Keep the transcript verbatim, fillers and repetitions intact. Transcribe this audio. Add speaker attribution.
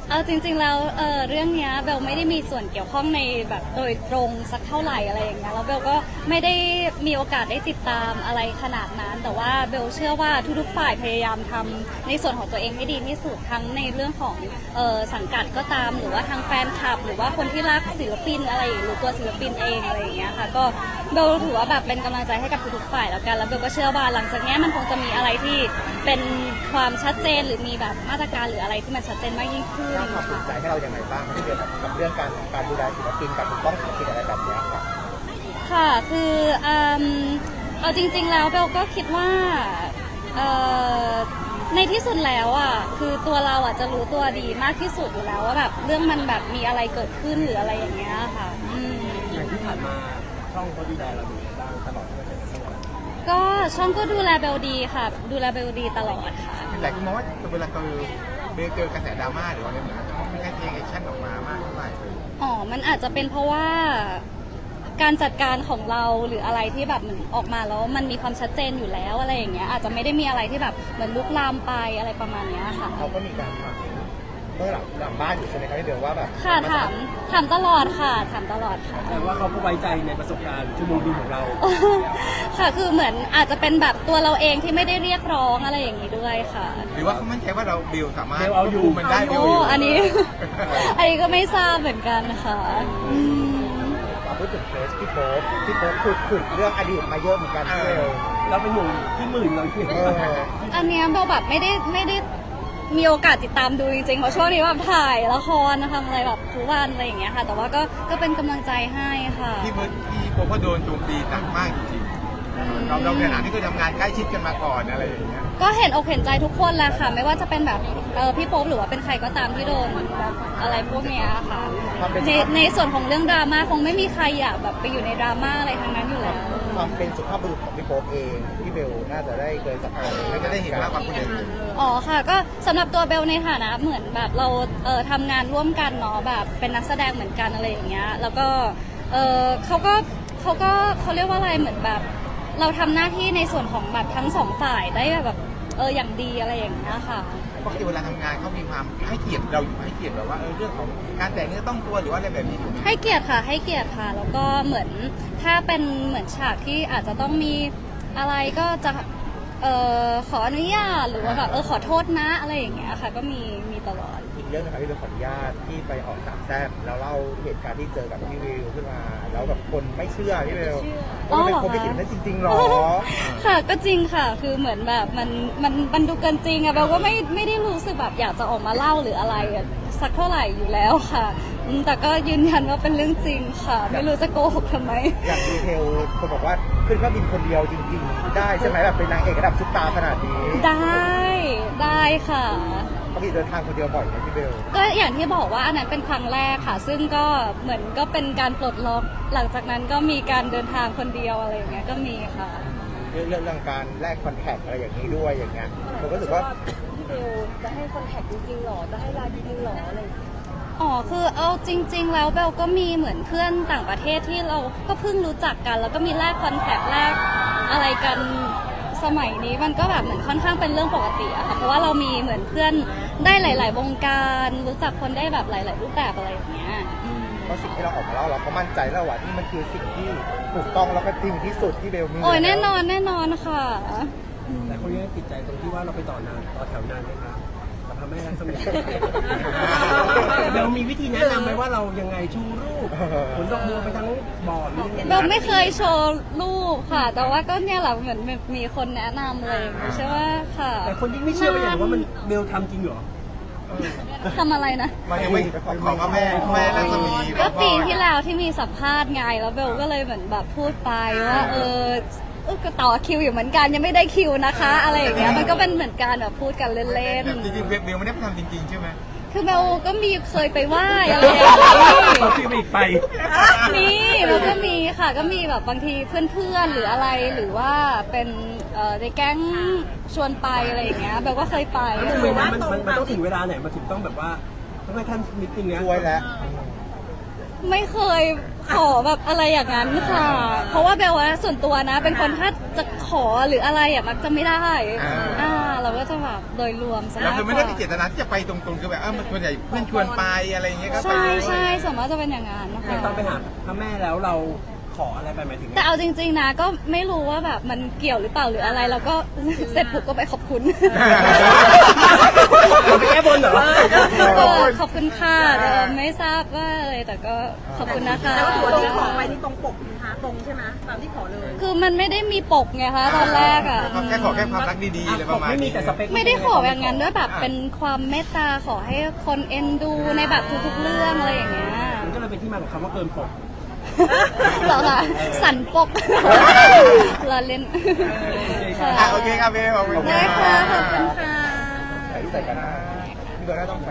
Speaker 1: เอาจริงๆแล้วเออเรื่องเนี้ยเบลไม่ได้มีส่วนเกี่ยวข้องในแบบโดยตรงสักเท่าไหร่อะไรอย่างเงี้ยแล้วเบลก็ไม่ได้มีโอกาสได้ติดตามอะไรขนาดนั้นแต่ว่าเบลเชื่อว่าทุกๆฝ่ายพยายามทำในส่วนของตัวเองให้ดีที่สุดทั้งในเรื่องของเออสังกัดก็ตามหรือว่าทางแฟนคลับหรือว่าคนที่รักศิลปินอะไรหรือตัวศิลปินเองอะไรอย่างเงี้ยค่ะก็เบลถือว่าแบบเป็นกำลังใจให้กับทุกๆฝ่ายแล้วกันแล้วเบลก็เชื่อว่าหลังจากนี้มันคงจะมีอะไรที่เป็นความชัดเจนหรือมีแบบมาตรการหรืออะไรที่มันชัดเจนมากยิ่งขึ้น
Speaker 2: สร้างความภูมิใจให้เราอย่างไรบ้างที่เกี่ยวกับเรื่องการการดูแลศิลปินการปกป้องศิลปินอะไรแบบนี้ครับ
Speaker 1: ค่ะคืออืมเอาจริงๆแล้วเบลก็คิดว่าเอ่อในที่สุดแล้วอ่ะคือตัวเราอ่ะจะรู้ตัวดีมากที่สุดอยู่แล้วว่าแบบเรื่องมันแบบมีอะไรเกิดขึ้นหรืออะไรอย่างเงี้ยค่ะอืม
Speaker 3: อย่างที่ผ่านมาช่องเขาดูแลเราดีบ้างตลอดที่เราเป็นนักแสดง
Speaker 1: ก็ช่องก็ดูแลเบลดีค่ะดูแลเบลดีตลอดค่ะ
Speaker 2: หลายคนมองว่าเวลาเจอเบลเจอกระแสดราม่าหรือว่าอะไรเหมือนกันเขาไม่ได้เทคแอคชั่นออกมามากเท่าไหร่เลย
Speaker 1: อ๋อ มันอาจจะเป็นเพราะว่าการจัดการของเราหรืออะไรที่แบบเหมือนออกมาแล้วมันมีความชัดเจนอยู่แล้วอะไรอย่างเงี้ยอาจจะไม่ได้มีอะไรที่แบบเหมือนลุกลามไปอะไรประมาณเนี้ยค่ะ
Speaker 2: เขาก็มีการถามเมื่อหลังหลังบ้านอยู่ใช่ไหมครับพี่เบลว่าแบบ
Speaker 1: ค่ะถามถามตลอดค่ะถามตลอดค่ะ
Speaker 3: แต่ว่าเขาก็ไว้ใจในประสบการณ์ชั่วโมงบินของเรา
Speaker 1: ค่ะคือเหมือนอาจจะเป็นแบบตัวเราเองที่ไม่ได้เรียกร้องอะไรอย่างนี้ด้วยค่ะ
Speaker 2: หรือว่าเขามั่นใจว่าเราเบลสามารถ
Speaker 3: เบลเอาอยู่
Speaker 2: มันได้เบล
Speaker 1: โอ้
Speaker 2: อยู่
Speaker 1: อันนี้ อันนี้ก็ไม่ทราบเหมือนกันค่ะอืม
Speaker 2: มาพูดถึงเคสพี่โป๊ปพี่โป๊ปขุดขุดเรื่องอดีตมาเยอะเหมือนกันพี่เบล
Speaker 3: เราเป็นหนุ่มที่หมื่นเราที่
Speaker 2: เออ
Speaker 1: อันเนี้ยเบลแบบไม่ได้ไม่ได้มีโอกาสติดตามดูจริงๆเพราะช่วงนี้แบบถ่ายละครทำอะไรแบบทุกวันอะไรอย่างเงี้ยค่ะ แต่ว่าก็ก็เป็นกำลังใจให้ค่ะ
Speaker 2: พี่เบิร์ดพี่โป๊ปก็โดนโจมตีหนักมากจริงๆเราเราในฐานะที่เคยทำงานใกล้ชิดกันมาก่อนอะไรอย่างเงี้ย
Speaker 1: ก็เห็นอกเห็นใจทุกคนแหละค่ะ ไม่ว่าจะเป็นแบบเออพี่โป๊ปหรือว่าเป็นใครก็ตามที่โดนแบบอะไรพวกเนี้ยค่ะในในส่วนของเรื่องดราม่าคงไม่มีใครอยากแบบไปอยู่ในดราม่าอะไรทั้งนั้นอยู่แล้ว
Speaker 2: ความเป็นสุภาพบุรุษของพี่โป๊ปเองพี่เบลน่าจะได้เคยสัมผัสน่าจะได้เห็นมากกว่าคนอื่น
Speaker 1: อ๋อค่ะก็สำหรับตัวเบลในฐานะเหมือนแบบเราเออทำงานร่วมกันเนาะแบบเป็นนักแสดงเหมือนกันอะไรอย่างเงี้ยแล้วก็เออเขาก็เขาก็เขาเรียกว่าอะไรเหมือนแบบเราทำหน้าที่ในส่วนของแบบทั้งสองฝ่ายได้แบบเอออย่างดีอะไรอย่างเงี้ยค่ะ
Speaker 2: ปกติเวลาทำงานเขามีความให้เกียรติเราอยู่ให้เกียรติแบบว่าเออเรื่องของการแต่งเนื้อต้องตัวหรือว่าอะไรแบบนี้อยู่ไหม
Speaker 1: ให้เกียรติค่ะให้เกียรติค่ะแล้วก็เหมือนถ้าเป็นเหมือนฉากที่อาจจะต้องมีอะไรก็จะเอ่อขออนุญาตหรือว่าแบบเออขอโทษนะอะไรอย่างเงี้ยค่ะก็มีมีตลอด
Speaker 2: อีกเรื่องนึงครับพี่เบลขออนุญาตที่ไปออกสามแซ่บแล้วเล่าเหตุการณ์ที่เจอกับพี่วิวขึ้นมาแล้วแบบคนไม่เชื่อพี่เบลว่ามันเป็นคนไม่ถึงนั้นจริงๆหรอ
Speaker 1: ค่ะก็จริงค่ะคือเหมือนแบบมันมันมันดูเกินจริงอะเบลก็ไม่ไม่ได้รู้สึกแบบอยากจะออกมาเล่าหรืออะไรอะสักเท่าไหร่อยู่แล้วค่ะอืมแต่ก็ยืนยันว่าเป็นเรื่องจริงค่ะ ไม่รู้จะโกหกทำไม
Speaker 2: อย่างดีเทลคนบอกว่าขึ้นเครื่องบินคนเดียวจริงๆ ได้ใช่ไหมแบบเป็นนางเอกระดับซุปตาร์ขนาดนี้
Speaker 1: ได้ได้ค่ะ
Speaker 2: ปกติเดินทางคนเดียวบ่อยไหมพี่เบล
Speaker 1: ก็อย่างที่บอกว่าอันนั้นเป็นครั้งแรกค่ะ ซึ่งก็เหมือนก็เป็นการปลดล็อกหลังจากนั้นก็มีการเดินทางคนเดียวอะไรอย่างเงี้ยก็มีค่ะ
Speaker 2: เรื่องเรื่องการแลกคอนแทคอะไรอย่างนี้ด้วยอย่างเงี้ยผมก็รู้สึกว่า
Speaker 4: พี่เบลจะให้คอนแทคจริงๆหรอ จะให้ไลน์จริงๆหรออะไรอย่างเงี้ย
Speaker 1: อ๋อคือเอาจริง ๆ แล้วเบลก็มีเหมือนเพื่อนต่างประเทศที่เราก็เพิ่งรู้จักกัน แล้วก็มีแลกคอนแทคแลกอะไรกันสมัยนี้มันก็แบบเหมือนค่อนข้างเป็นเรื่องปกติอะค่ะเพราะว่าเรามีเหมือนเพื่อนได้หลาย ๆ วงการรู้จักคนได้แบบหลาย ๆ รูปแบบอะไรอย่างเงี้ยอืม
Speaker 2: เพราะสิ่งที่เราออกมาแล้วเราก็มั่นใจแล้วว่านี่มันคือสิ่งที่ถูกต้องแล้วก็จริงที่สุดที่เบลมี
Speaker 1: โอ้ยแน่นอนแน่นอนค่ะ
Speaker 3: แต่คนยังติดใจตรงที่ว่าเราไปต่อนานต่อแถวนานไหมคะกับพระแม่รัศมีเรามีวิธีแนะนำไหมว่าเรายังไงชูรูปผลดอกบัวไปทั้งบ่อหรือยังไง
Speaker 1: เบลไม่เคยโชว์รูปค่ะ แต่ว่าก็เนี่ยแหละเหมือนมีคนแนะนำเลยใช่ว่าค่ะ
Speaker 3: แต่คนยิ่งไม่เชื่อไปอย่างว่ามันเบลทำจริงเหรอ
Speaker 1: ทำอะไรนะ
Speaker 2: มันยังไม่ขอขอพระแม่แม่รัศมี
Speaker 1: ก็ปีที่แล้วที่มีสัมภาษณ์ไงแล้วเบลก็เลยเหมือนแบบพูดไปว่าเออเออก็ต่อคิวอยู่เหมือนกันยังไม่ได้คิวนะคะ อะไรอย่างเงี้ยมันก็เป็นเหมือนการแบบพูดกันเล่น
Speaker 2: แต่จริงๆเบลไม่ได้ทำจริงๆใช่ไหม
Speaker 1: ๆคือเบลก็มีเคยไปไหว้อะไรอย่างเงี้ย
Speaker 3: เราคิวไปอีกไป
Speaker 1: มีแล้วก็มีค่ะก็มีแบบบางทีเพื่อนๆหรืออะไรหรือว่าเป็นเอ่อในแก๊งชวนไปอะไรอย่างเงี้ยเบลก็เคยไป
Speaker 3: แล้วทำไมมันมันมันมันต้องถึงเวลาไหนมันถึงต้องแบบว่าต้องให้ท่านมิตติ้งเนี้ย
Speaker 2: ช่วยแล้ว
Speaker 1: ไม่เคยขอแบบอะไรอย่างนั้นค่ะ เพราะว่าเบลว่าส่วนตัวนะ เป็นคนถ้าจะขอหรืออะไรอ่ะมักจะไม่ได้อ่าเราก็จะแบบโดยรวมซะ
Speaker 5: เรา
Speaker 1: มาก
Speaker 5: คือก ไม่
Speaker 1: ว่า
Speaker 5: ได้มีเจตนาที่จะไปตรงๆคือแบบเออมันส่วนใหญ่เพื่อนชวนไปอะไรอย่างเงี้ยก็ไป
Speaker 1: ใช่
Speaker 5: เลย
Speaker 1: ใช่ส่วนมากจะเป็นอย่างนั้นนะ
Speaker 3: แต่
Speaker 1: คะ
Speaker 3: ตอนไปหาพระแม่แล้วเราขออะไรไปหมายถึง
Speaker 1: แต่เอาจริงๆนะก็ไม่รู้ว่าแบบมันเกี่ยวหรือเปล่าหรืออะไรเราก็ เสร็จปุ๊บก็ไปขอบคุณ
Speaker 3: เราไปแก้บนเหรอ
Speaker 1: เออขอบคุณค่ะแต่ไม่ทราบว่าอะไรแต่ก็ขอบคุณนะคะ
Speaker 4: แต่ว่าตัวที่ขอไปนี่ตรงปกนะคะตรงใช่ไหมตามที่ขอเลย
Speaker 1: คือมันไม่ได้มีปกไงคะตอนแรกอ่ะ
Speaker 5: แค่ขอแค่ความรักดีๆอะไรประมาณ
Speaker 3: ไม่มี
Speaker 5: นี้
Speaker 3: แต่สเปค
Speaker 1: ไม่ได้ขออย่างนั้นด้วยแบบเป็นความเมตตาขอให้คนเอ็นดูในแบบทุกๆเรื่องอะไรอย่างเงี้ย
Speaker 3: มันก็เลยเป็นที่มาของคำว่าเกินปก
Speaker 1: เหรอคะสันปกเราเล่น
Speaker 5: อ่ะโอเคครับเบลขอบคุณ
Speaker 1: ได้ค่ะขอบคุณค่ะ
Speaker 2: ถ่ายรูปใส่กันนะพี่เบลน่าต้อง